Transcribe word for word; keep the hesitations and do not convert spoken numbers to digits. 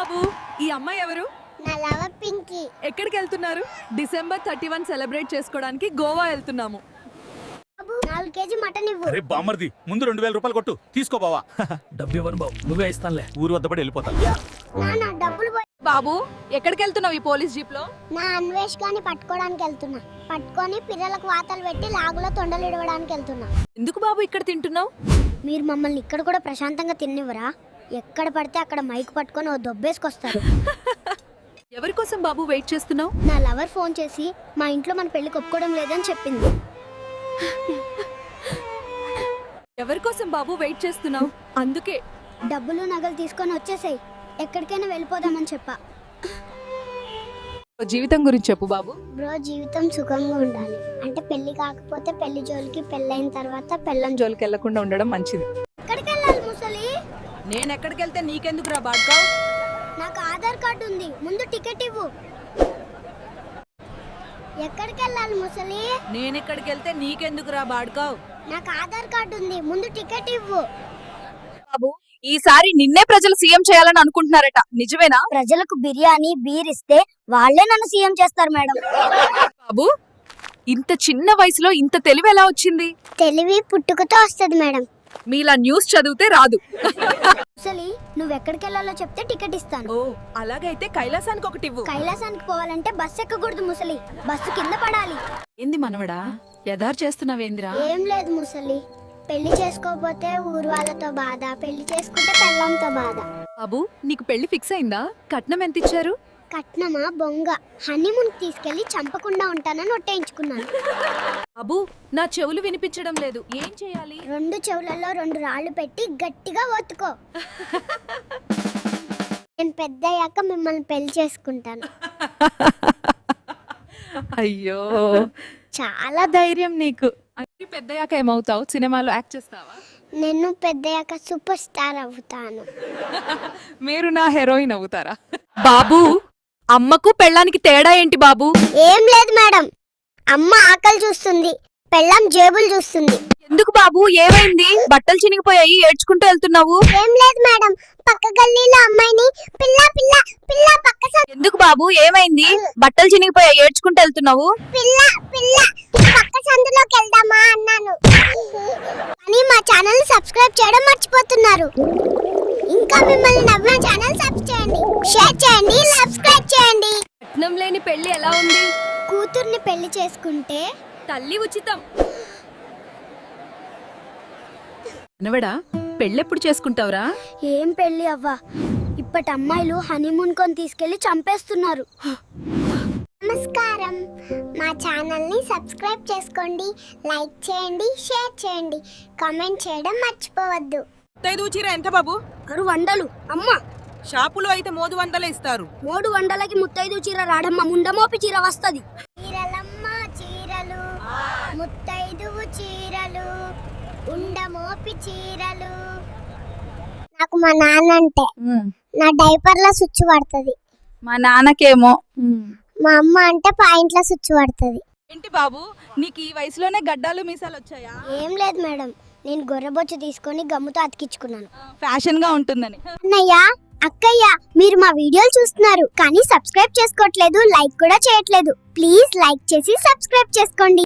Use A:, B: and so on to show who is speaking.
A: బాబు ఈ అమ్మాయి ఎవరు?
B: నా లవర్ పింకీ.
A: ఎక్కడికి వెళ్తున్నారు? డిసెంబర్ థర్టీ వన్ సెలబ్రేట్ చేసుకోవడానికి గోవా వెళ్తున్నాము.
B: బాబు నాలుగు కేజీ మటన్ ఇవ్వు.
C: అరే బామ్మర్ది, ముందు రెండు వేల రూపాయలు కొట్టు, తీసుకో బావా.
D: డబ్బు ఇవ్వను బాబు, నువ్వే ఇస్తానులే.
C: ఊరు వద్ద పడి వెళ్ళిపోతా.
B: నాన్న డబ్బులు పోయి.
A: బాబు ఎక్కడికి వెళ్తున్నావు ఈ పోలీస్ జీప్ లో?
B: నా అన్వేష్ గాని పట్టుకోవడానికి వెళ్తున్నా. పట్టుకొని పిల్లలకు వాతలు పెట్టి లాగులో తొండలు ఇడవడానికి వెళ్తున్నా.
A: ఎందుకు బాబు ఇక్కడ తింటున్నావు?
B: మీరు మమ్మల్ని ఇక్కడ కూడా ప్రశాంతంగా తిన్నివ్వరా? ఎక్కడ పడితే అక్కడ మైక్ పట్టుకొని ఓ దొబ్బేసుకొస్తారు.
A: ఎవరి కోసం బాబు వెయిట్ చేస్తున్నావు?
B: నా లవర్ ఫోన్ చేసి మా ఇంట్లో మన పెళ్లి ఒప్పుకోవడం లేదని చెప్పింది.
A: ఎవరి కోసం బాబు వెయిట్ చేస్తున్నావు? అందుకే
B: డబ్బులు నగలు తీసుకొని వచ్చేసాయి, ఎక్కడికైనా వెళ్ళిపోదామని చెప్పా.
A: జీవితం గురించి చెప్పు బాబు.
B: బ్రో జీవితం సుఖంగా ఉండాలి అంటే పెళ్లి కాకపోతే పెళ్లి జోలికి, పెళ్ళైన తర్వాత పెళ్ళం జోలికి
A: జోలికి వెళ్లకుండా ఉండడం మంచిది.
B: ఎక్కడికి వెళ్ళాలి ముసలి?
A: నేను ఎక్కడికి వెళ్తే నీకెందుకు రా బాడ్కా?
B: నాకు ఆధార్ కార్డు ఉంది, ముందు టికెట్ ఇవ్వు. ఎక్కడికి వెళ్ళాలి ముసలి?
A: నేను ఎక్కడికి వెళ్తే నీకెందుకు రా బాడ్కా?
B: నాకు ఆధార్ కార్డు ఉంది, ముందు టికెట్ ఇవ్వు.
A: బాబు ఈసారి నిన్నే ప్రజలు సీఎం చేయాలని అనుకుంటున్నారట, నిజమేనా?
B: ప్రజలకు బిర్యానీ బీర్ ఇస్తే వాళ్ళే నన్ను సీఎం చేస్తారు మేడం.
A: బాబు ఇంత చిన్న వయసులో ఇంత తెలివి ఎలా వచ్చింది?
B: తెలివి పుట్టుకతో వస్తుంది మేడం.
A: మీలా న్యూస్ చదివితే రాదు.
B: ముసలి నువ్వు ఎక్కడికి వెళ్ళాలో చెప్తే టికెట్ ఇస్తాను.
A: ఓ అలాగైతే కైలాసానికి ఒకటి ఇవ్వు.
B: కైలాసానికి పోవాలంటే బస్సు ఎక్కకూడదు ముసలి, బస్సు కింద పడాలి.
A: ఏంది మనవడా యదార్ చేస్తున్నావేంద్రా?
B: ఏం లేదు ముసలి, పెళ్లి చేసుకోకపోతే ఊరు వాళ్ళతో బాధ, పెళ్లి చేసుకుంటే పెళ్ళంతో బాధ.
A: బాబు నీకు పెళ్లి ఫిక్స్ అయిందా? కట్నం ఎంత ఇచ్చారు?
B: కట్నమా బొంగ, హనీమూన్ తీసుకెళ్లి చంపకుండా ఉంటానని ఒట్టేయించుకున్నాను.
A: బాబు నా చెవులు వినిపించడం లేదు, ఏం చేయాలి?
B: రెండు చెవులలో రెండు రాళ్లు పెట్టి గట్టిగా ఒత్తుకో. నేను పెద్ద అయ్యాక మిమ్మల్ని పెళ్లి చేసుకుంటాను.
A: అయ్యో
B: చాలా
A: ధైర్యం నీకు. అంటే పెద్దయ్యాక ఏమవుతావు? సినిమాలో యాక్ట్ చేస్తావా?
B: నేను పెద్దయ్యాక సూపర్ స్టార్ అవుతాను.
A: మీరు నా హీరోయిన్ అవుతారా? బాబు అమ్మకు పెళ్ళానికి తేడా ఏంటి బాబు?
B: ఏం లేదు మేడం, అమ్మ ఆకలి చూస్తుంది, పెళ్ళం జేబులు చూస్తుంది.
A: ఎందుకు బాబు ఏమైంది? బట్టలు చినిగిపోయాయి, ఏడ్చుకుంటూ వెళ్తున్నావు.
B: ఏం లేదు మేడం, పక్క గల్లీలో అమ్మాయిని పిల్ల పిల్ల పిల్ల పక్క సం-
A: ఎందుకు బాబు ఏమైంది? బట్టలు చినిగిపోయాయి, ఏడ్చుకుంటూ వెళ్తున్నావు.
B: పిల్ల పిల్ల పక్క సందులోకి వెళ్దామా అన్నాను. కానీ మా ఛానల్ ని సబ్స్క్రైబ్ చేయడం మర్చిపోతున్నారు. ఇంకా మిమ్మల్ని నవ్విన ఛానల్ సబ్స్క్రైబ్ చేయండి, షేర్ చేయండి, సబ్స్క్రైబ్ చేయండి.
A: కట్నం లేని పెళ్లి ఎలా ఉంది?
B: కూతుర్ని పెళ్లి చేసుకుంటే
A: తల్లి ఉచితం. అనవడా పెళ్ళెప్పుడు చేసుకుంటావురా?
B: ఏం పెళ్లి అవ్వా, ఇప్పటి అమ్మాయిలు హనీమూన్ కొని తీసుకెళ్లి చంపేస్తున్నారు. నమస్కారం, మా ఛానల్ ని సబ్స్క్రైబ్ చేసుకోండి, లైక్ చేయండి, షేర్ చేయండి, కామెంట్ చేయడం మర్చిపోవద్దు.
E: ముత్తైదు చీర ఎంత బాబు?
B: ఆరు వందలు అమ్మ.
E: షాపులో అయితే మూడు వందలే ఇస్తారు.
B: మూడు వందలకి ముత్తైదు చీర రాడమ్మ, ముండమోపి చీర వస్తది. చీరలమ్మ చీరలు, ముత్తైదు చీరలు, ఉండమోపి చీరలు. నాకు మా నాన్న అంటే నా డైపర్ లో స్విచ్ పడుతుంది.
A: మా నాన్నకేమో.
B: మా అమ్మ అంటే పాయింట్ల స్విచ్ పడుతుంది.
A: ఏంటి బాబు నీకు ఈ వయసులోనే గడ్డాలు మీసాలు వచ్చాయా?
B: ఏం లేదు మేడం, నేను గొర్రెబొచ్చు తీసుకొని గమ్ముతో అతికించుకున్నాను.
A: ఫ్యాషన్ గా ఉంటుందని.
B: అన్నయ్య అక్కయ్య మీరు మా వీడియోలు చూస్తున్నారు కానీ సబ్స్క్రైబ్ చేసుకోవట్లేదు, లైక్ కూడా చేయట్లేదు. ప్లీజ్ లైక్ చేసి సబ్స్క్రైబ్ చేసుకోండి.